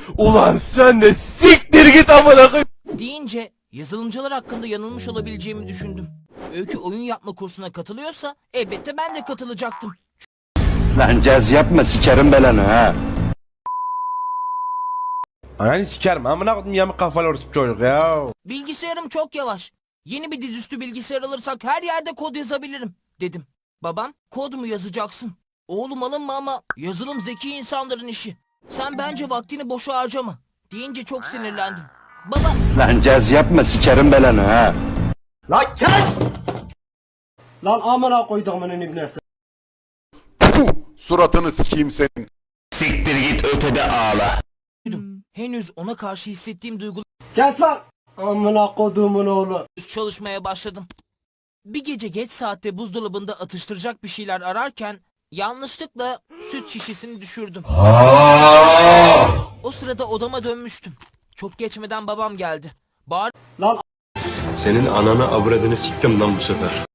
Ulan sen de siktir git amına koyayım. Deyince yazılımcılar hakkında yanılmış olabileceğimi düşündüm. Öykü oyun yapma kursuna katılıyorsa elbette ben de katılacaktım. Lan caz yapma sikerim belanı ha. Ananı sikerim amına koydum yamuk kafalı orospu çocuk ya. Bilgisayarım çok yavaş. Yeni bir dizüstü bilgisayar alırsak her yerde kod yazabilirim dedim. Babam kod mu yazacaksın? Oğlum alınma ama yazılım zeki insanların işi. Sen bence vaktini boşa harcama deyince çok sinirlendim. Baba Lan caz yapma sikerim belanı ha. Lan kes! Lan amına koyduğumun ibnesi. Suratını sikeyim senin. Siktir git ötede ağla. henüz ona karşı hissettiğim duygular Kes lan! Amına koyduğumun oğlu. çalışmaya başladım. Bir gece geç saatte buzdolabında atıştıracak bir şeyler ararken yanlışlıkla süt şişesini düşürdüm. O sırada odama dönmüştüm. Çok geçmeden babam geldi. Lan Senin ananı avradını siktim lan bu sefer.